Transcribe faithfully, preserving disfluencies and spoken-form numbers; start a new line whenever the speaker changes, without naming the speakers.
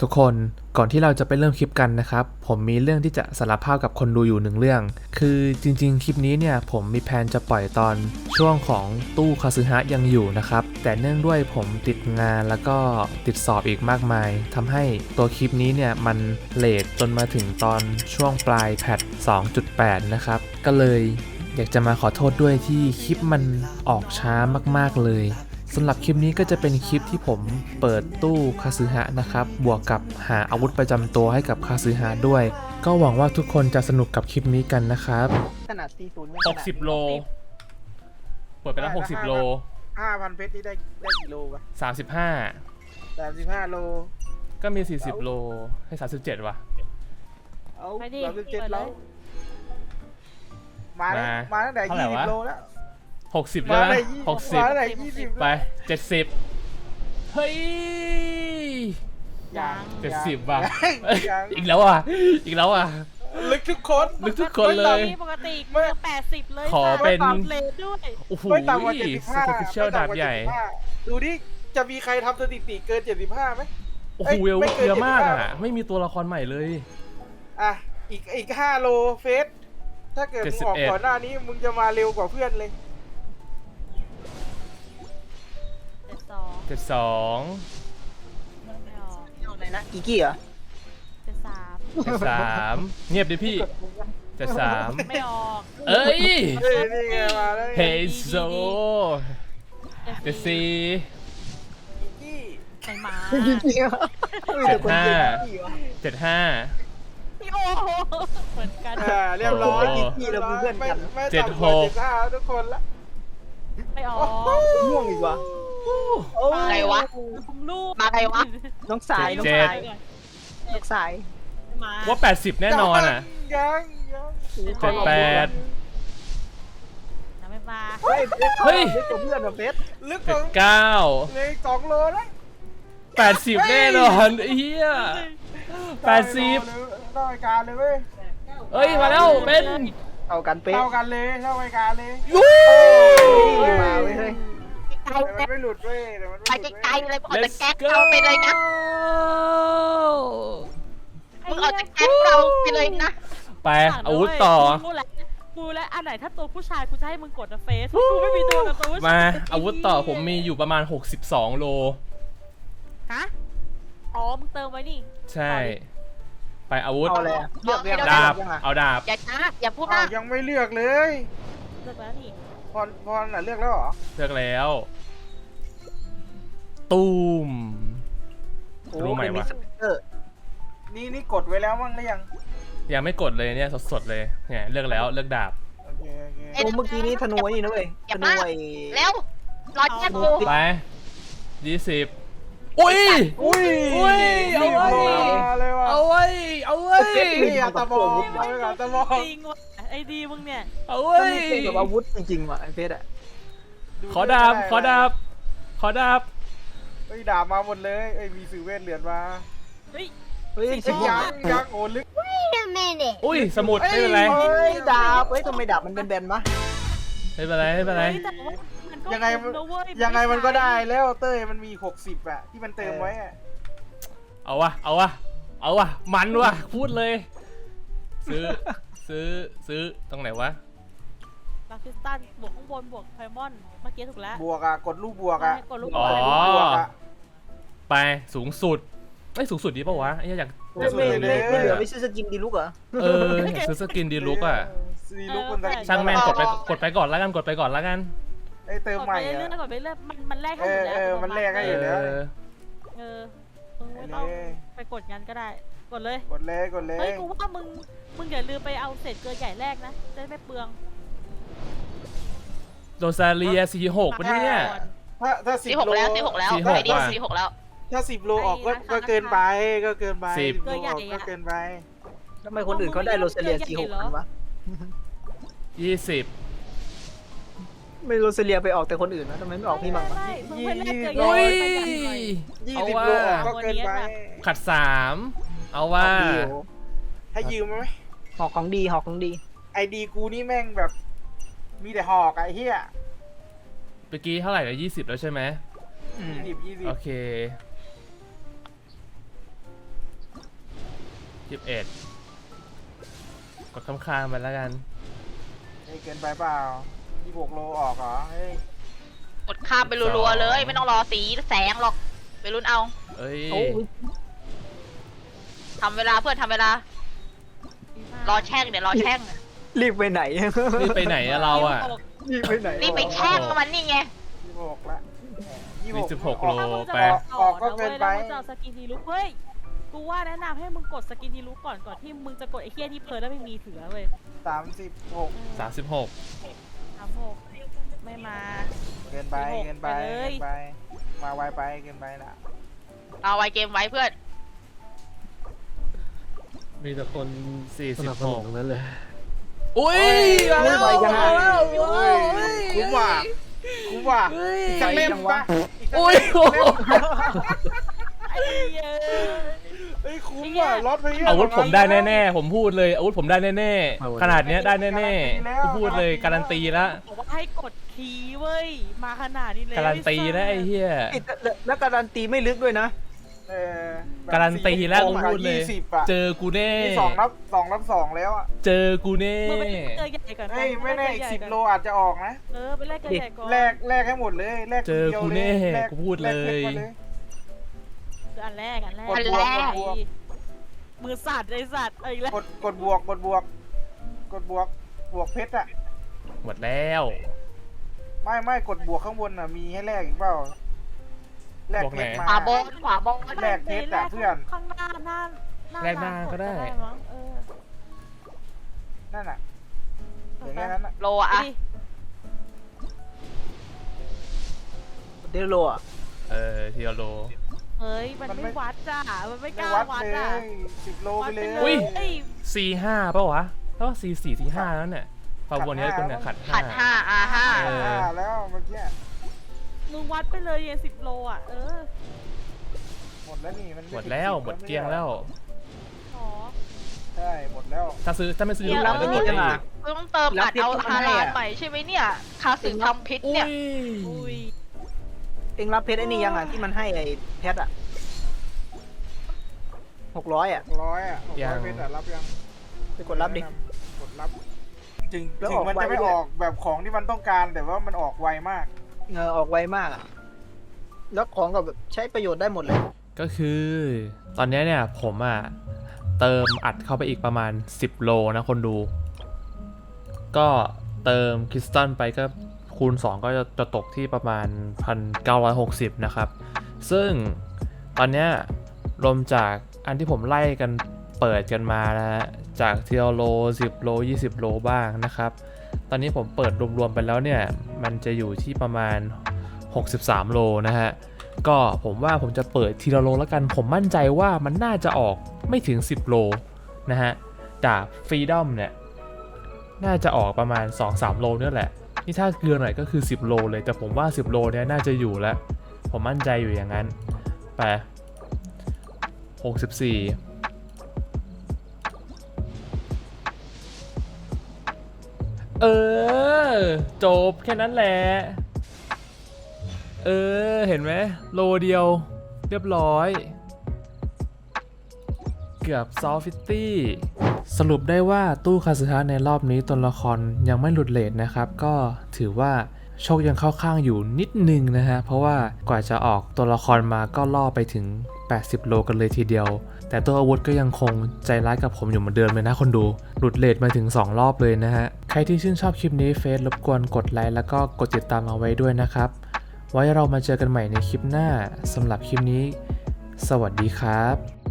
ทุกคนก่อนที่เราจะไปเริ่มคลิปกันนะครับผมมีเรื่องที่จะสารภาพกับคนดูอยู่หนึ่งเรื่องคือจริงๆคลิปนี้เนี่ยผมมีแผนจะปล่อยตอนช่วงของตู้คาซึฮะยังอยู่นะครับแต่เนื่องด้วยผมติดงานแล้วก็ติดสอบอีกมากมายทำให้ตัวคลิปนี้เนี่ยมันเลทจนมาถึงตอนช่วงปลายแพท สองจุดแปด นะครับก็เลยอยากจะมาขอโทษด้วยที่คลิปมันออกช้ามากๆเลยสำหรับคลิปนี้ก็จะเป็นคลิปที่ผมเปิดตู้คาซึฮะนะครับบวกกับหาอาวุธประจำตัวให้กับคาซึฮะด้วยก็หวังว่าทุกคนจะสนุกกับคลิปนี้กันนะครับ
ขนาดสี่ศูนย์
หกสิบโลเปิดไปแล้วหกสิบโล
ห้าพันเพชรนี่ได้ได้กี่โลวะ
สามสิบห้า
สามสิบห้าโล
ก็มีสี่สิบโลให้สามสิบเจ็ดว่ะ
เอาสามสิบเจ็ดแล้วมามาตั้งแต่ยี่สิบโลแล้ว
หกสิบแล้วนะหกสิบไปเจ็ดสิบเฮ้ยเจ็ดสิบว่ะอีกแล้วอ่ะอีกแล้วอ่ะ
ลึกทุกคน
ลึกทุกคนเลย
ปกติเมื่อแปดสิบเลย
ขอเป็น
เลนด้วย
โอ้โหสเปเชียลดาบใหญ่
ดูดิจะมีใครทำสถิติเกินเจ็ดสิบห้าไหม
โอ้โหเวลเยอะมากอ่ะไม่มีตัวละครใหม่เลย
อ่ะอีกอีกห้าโลเฟสถ้าเกิดมึงออกก่อนหน้านี้มึงจะมาเร็วกว่าเพื่อนเลย
เจ็ดสอง
อะไรนะอีกี้เหรอ
เจ็ดสาม
เจ็ดสามเงียบดิพี่เจ็ดสาม
ไม่ออก
เอ้ย
นี่ไงมาแล้ว
เฮโซเจ็ดสี่
อีกี้
ใครมา
เจ็ดห้าเจ็ดห้า
โอ้เหมือนกัน
เรียบร้อยอีกี้เราเพื่อนกัน
เจ็ดหก
ทุกคนละ
ไม่ออก
ม่วงอีกวะ
อะไรวะมาอะไรวะ
น้องสายน้องสายน้องสาย
ว่าแปดสิบแน่นอนอ่ะ
ยังยัง
เจ็ดแปด
ไม่มา
เฮ้ยเฮ้ยลึกกว่าเพื่อนแบบเบสลึกกว่า
เก้า
เลยสองโลแล้ว
แปดสิบแน่นอนเฮียแปดสิบ
เท่าไอการเลยเว้ย
เฮ้ยมาแล้วเป็น
เท่ากันเป๊ะเท่ากันเลยเท่าไอการเลยมาเว้ยมันไม่หลุดเว้ยแต่มัน
ไปไกลๆเลยบอกจะแก๊กเราไปเลยนะมึงออกจากแก๊กเราไปเลยนะ
ไปอาวุธต่อ
กูและอันไหนถ้าตัวผู้ชายกูจะให้มึงกดนะเฟซกูไม่มีตัวกับตัวผู้ชาย
มาอาวุธต่อผมมีอยู่ประมาณหกสิบสองโล
ฮะอ๋อมึงเติมไว้นี่
ใช่ไปอาวุธ
เอาเลยเลือก
ดาบเอาดาบ
อย่าช้าอย่าพูดนะ
ยังไม่เลือกเลย
เลือกแล้วนี่
พรพรน่ะเลือกแล้วเหรอ
เลือกแล้วตูมรู้ไหมวะ
นี่นี่กดไว้แล้วมั้งหรือยัง
ยังไม่กดเลยเนี่ยสดๆเลยเนี่ยเลือกแล้วเลือกดาบ
โอ้เมื่อกี้นี้ธนูนี่นะเว้ยธนูไอ้
แล้วรอแค่กู
ไปยี่สิบอุ้ย
อุ้ย
อุ้ยเอาไว้เอาไว้เอาไว้
นี่อะตะบองอะตะบอง
จริงว่ะไอ้ดีมึงเนี่ย
เอาไว้
แบบอาวุธจริงๆว่ะไอ้เพชรอะ
ขอดาบขอดาบขอดาบ
เฮ้ยดาบมาหมดเลยเอ้ยมีสื่อเวทเหรียญมา
เฮ้ย
เฮ้ยยังยังโอ้ลึก
อุ้ยสมุดไม่เป็นไร
ดาบเฮ้ยทำไมดาบมันเป็นแบนมะ
ไม่เป็นไรไม่เป็นไร
ยังไงยังไงมันก็ได้แล้วเต้ยมันมีหกสิบอะที่มันเติมไว้อะ
เอาวะเอาวะเอาวะมันวะพูดเลยซื้อซื้อซื้อตรงไหนวะ
ลักซิสตันบวกข้างบนบวกไพมอนเมื่อกี้ถูกแล้ว
บวกอะกดลูกบวกอะ
อ๋อไปสูงสุดไอ้สูงสุดดีป่าววะไอ้อยาก
ไม่ไม่ไม่เหลือไม่ซื้อสกินดีลุกเหรอ
เอออยากซื้อสกินดีลุกอ่ะช่างแม่งกดไปกดไปก่อนแล้วกันกดไปก่อนแล้วกัน
ไอ้เติมใหม่
อะกดไปเรื่อยมันมันแลกให้อยู่แล้ว
เออมันแลกให้อยู่แล้ว
เออมึงไม่ต้องไปกดงั้นก็ได้กดเลย
กดเลยกดเลย
เฮ้ยกูว่ามึงมึงอย่าลืมไปเอาเศษเกลือใหญ่แรกนะจะไม่เปลือง
โรซาเลียสี่หกปะเนี่ย
ถ้าถ้าสิบโล
แล้วสี่หกแล้วสี่หกแล้ว
ถ้าสิบโลออกก็เกินไปก็เกินไป
สิบ
โลออกก็เกินไป
ทำไมคนอื่นเขาได้โรซาเลียสี่หกกันวะ
ยี่สิบ
ไม่โรซาเลียไปออกแต่คนอื่นนะทำไมไม่ออกพี่มั่งวะ
ยี่สิบ
โอ้ย
ยี่สิบโลออกก็เกินไป
ขัดสามเอาว่า
ให้ยืมไหม
หอกของดีหอกของดี
ไอดีกูนี่แม่งแบบมีแต่หอกไอ้เหี้ย
เมื่อกี้เท่าไหร่แล้วยี่สิบแล้วใช่ไหม
ยี่สิบยี่สิบ
โอเคยี่สิบเอ็ดกดข้างๆไปแล้วกัน
เฮ้ยเกินไปเปล่ายี่สิบหกโลออกเหรอเฮ้ย
กดข้ามไปรัวๆเลย ไม่ต้องรอสีแสงหรอกไปลุ้นเอา
เอ้ย
โอ้ย
ทำเวลาเพื่อนทำเวลา รอแช่งเดี๋ยวรอแช่ง
รีบไปไหน
นี่ไปไหนอะเราอะ
รีบไปไหน
รีบไปแช่งมันนี่ไง
ยี่สิบหกละยี่
มีสิบหกโล
ถ้ามึงจะ
ไป
บอก
ออกก็เกินไป
แล้วมึงจะเอาสกินดีลุกเฮ้ย กูว่าแนะนำให้มึงกดสกินดีลุกก่อนก่อนที่มึงจะกดไอ้เฮี้ยที่เพลินแล้วไม่มีเถือเว้ย
สามสิบหก
สามสิบหก
สามหกไม่มา
เกินไปเกินไป
ไปเลย
เกินไป มาไวไปเกินไปละ
เอาไว้เกมไว้เพื่อน
มีแต่คน
สี่
ส
สิบ
นับส
ห
นุ
ก
นทั้งนั้นเลย
อุ้ยมาแล้ว
ไปกัน
มาแล้ว
เฮ้ยคุ้มว่ะคุ้มว่ะอีกสักเล่มปะอีกสัก
อุ้ย
เล่ม
ไอ้เหี้ย
เฮ้ยคุ้มว่ะรถไปเยอะ
อาวุธผมได้แน่ๆผมพูดเลยอาวุธผมได้แน่
เอาวุธ
ๆขนาดเนี้ยได้แน่ๆกูพูดเลยการันตีแล้ว
บอกว่าให้กดคีย์เว้ย มาขนาดนี้เลย
การันตีแล้วไอ้เหี้ย
แล้วการันตีไม่ลึกด้วยนะ
เออแบบ
การันตีแล้วกู
สี่
พูดเลย
ยี่สิบอะ
เจอกูแน่
นี่สองรับสองรับสองแล้วอะ
เจอกูแน่
มึงไปเจอใหญ่ก่อน
เฮ้ยไม่แน่อีก
ป
สิบ
เจอ
โล
ใหญ่ก่อน
อาจจะออกนะ
เออไปแลกกันใหญ่ก่อน
แลกแลกให้หมดเลยแลก
เจอกูแน่
แลก
กูพูดเลย
แกพชรมา
คืออันแรกอันแรก
กดบวกกดบวก
มือสั่นไอ้สัตว์เอาอีกแล้ว
กดกดบวกกดบวก กดบวกบวกเพชรอะ
หมดแล้ว
ไม่ไม่กดบวกข้างบนอะมีให้แลกอีกเปล่าแลกเพชรมา
ขวาบนขวาบน
แลกเพชรอะเพื่อน
ข้างหน้าหน้าหน้า
แลกหน้าก็ได้
มั้งเออ
นั่นอะอย่างงี้นั้นอะ
โลอะ
ดิ
เดโลอ่ะ
เออทีละโล
เฮ้ยมันไม่วัดจ้ะมันไม่ก
ไม่
ล้า
วัด
วัด
เล
อ่ะ
ยสิบโล
วั
ไป
ด
เล
ไป
ย
เลย
อุ้ย
เอ้ย
สี่ห้าป่ะวะแล้วสี่สี่สี่ห้าแล้วเนี่ยพอวนนี้เป็นเนี่ยขัด
ขัดห้าอาห้า
เออ
อ่าแล้วเมื่อกี้
มึงวัดไปเลยเย็นสิบโลอ่ะเออ
หมดแล้วนี่มัน
หมดแล้วหมดเกลี้ยงแล้ว
อ๋อ
ใช่หมดแล้ว
ถ้าซื้อถ้าไม่ซื้อ
เดี๋ยว
เรา
เรา
จะกดได้อีก
ต้องเติมอัดเอาฮาลาลใหม่ใช่ไหมเนี่ย คาสึทำพิษ
อุ้
เนี่ย
ย
อุ้ย
เองรับเพชรไอ้นี่ยังอ่ะที่มันให้ไอ้เพชรอ่ะหกร้อยอ่ะ
ร้อยอ่ะหกร้อยเพชรอะรับยัง
ไปกดรับดิ
กดรับถึง
แล้ว
ถึ
อง อก
มัน
ไว
จะไม่
ด้วย
ออกแบบของที่มันต้องการแต่ว่ามันออกไวมาก
เออออกไวมากอะแล้วของก็แบบใช้ประโยชน์ได้หมดเลย
ก็คือตอนนี้เนี่ยผมอ่ะเติมอัดเข้าไปอีกประมาณสิบโลนะคนดู ก็เติมคริสตัลไปก็คูณสองก็จะจะตกที่ประมาณ หนึ่งพันเก้าร้อยหกสิบ นะครับ ซึ่งตอนเนี้ยรวมจากอันที่ผมไล่กันเปิดกันมานะฮะจากทีละโลสิบโลยี่สิบโลบ้างนะครับ ตอนนี้ผมเปิดรวมๆไปแล้วเนี่ยมันจะอยู่ที่ประมาณหกสิบสามโลนะฮะ ก็ผมว่าผมจะเปิดทีละโลแล้วกัน ผมมั่นใจว่ามันน่าจะออกไม่ถึงสิบโลนะฮะดาบฟรีดอมเนี่ยน่าจะออกประมาณ สองสาม โลเนี่ยแหละนี่ถ้าเกลือหน่อยก็คือสิบโลเลยแต่ผมว่าสิบโลเนี่ยน่าจะอยู่แล้วผมมั่นใจอยู่อย่างนั้นไปหกสิบสี่เออจบแค่นั้นแหละเออเห็นไหมโลเดียวเรียบร้อยเกือบซอฟฟิตี้สรุปได้ว่าตู้คาสึฮะในรอบนี้ตัวละครยังไม่หลุดเรทนะครับก็ถือว่าโชคยังเข้าข้างอยู่นิดนึงนะฮะเพราะว่ากว่าจะออกตัวละครมาก็ล่อไปถึงแปดสิบโลกันเลยทีเดียวแต่ตัวอาวุธก็ยังคงใจร้ายกับผมอยู่เหมือนเดิมเลยนะคนดูหลุดเรทมาถึงสองรอบเลยนะฮะใครที่ชื่นชอบคลิปนี้เฟซรบกวนกดไลค์แล้วก็กดติดตามเอาไว้ด้วยนะครับไว้เรามาเจอกันใหม่ในคลิปหน้าสำหรับคลิปนี้สวัสดีครับ